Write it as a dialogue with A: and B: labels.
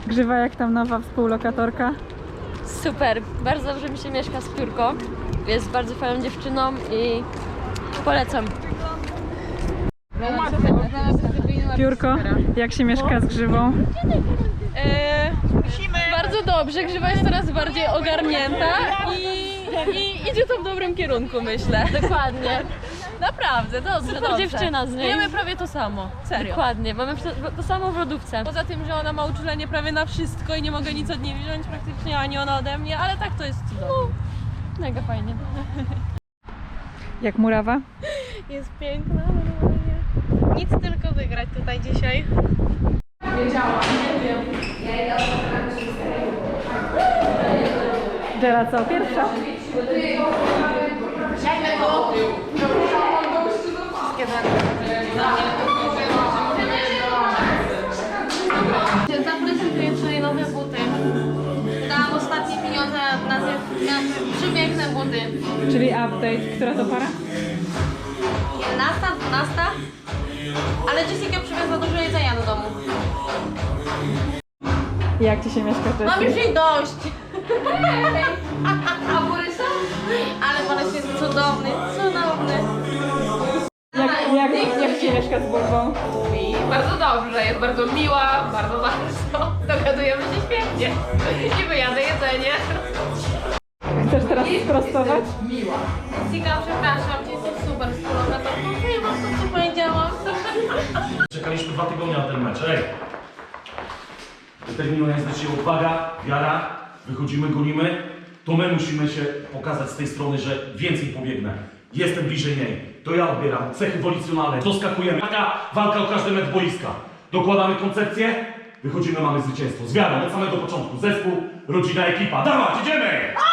A: Grzywa, jak tam nowa współlokatorka?
B: Super, bardzo dobrze mi się mieszka z Piórką. Jest bardzo fajną dziewczyną i polecam.
A: Piórko, jak się mieszka z Grzywą?
B: Bardzo dobrze, Grzywa jest coraz bardziej ogarnięta i idzie to w dobrym kierunku, myślę. Dokładnie. Naprawdę, dobrze, super dziewczyna z niej. Wiemy prawie to samo, serio. Dokładnie, mamy to samo w lodówce. Poza tym, że ona ma uczulenie prawie na wszystko i nie mogę nic od niej wziąć praktycznie, ani ona ode mnie, ale tak to jest cudowne. No, mega fajnie.
A: Jak murawa?
C: Jest piękna, normalnie. Nic tylko wygrać tutaj dzisiaj.
A: Dżera, co? Pierwsza?
C: Zaprezentuję tutaj nowe buty. Dałam ostatnie pieniądze na przepiękne buty.
A: Czyli update. Która to para?
C: 11, 12. Ale Jessica przywiozła dużo jedzenia do domu.
A: Jak ci się mieszka z
C: Mam już
A: Jessie?
C: jej dość. A Borysa? Ale Borys jest cudowny, cudowny.
A: Jak ci mieszka z Bulbą?
D: Bardzo dobrze, jest bardzo miła, bardzo. Dogadujemy się świetnie. I wyjadę jedzenie.
A: Chcesz teraz sprostować?
C: Jessica, przepraszam, ty jesteś super współlokatorką. Nie mam to, co powiedziałam.
E: Czekaliśmy 2 tygodnie na ten mecz, ej! Determinuje nas dzisiaj odwaga, wiara, wychodzimy, gonimy. To my musimy się pokazać z tej strony, że więcej pobiegnę. Jestem bliżej niej. To ja odbieram cechy wolicjonalne, doskakujemy. Taka walka o każdy metr boiska. Dokładamy koncepcję, wychodzimy, mamy zwycięstwo. Z wiarą od samego początku. Zespół, rodzina, ekipa. Dawać, idziemy!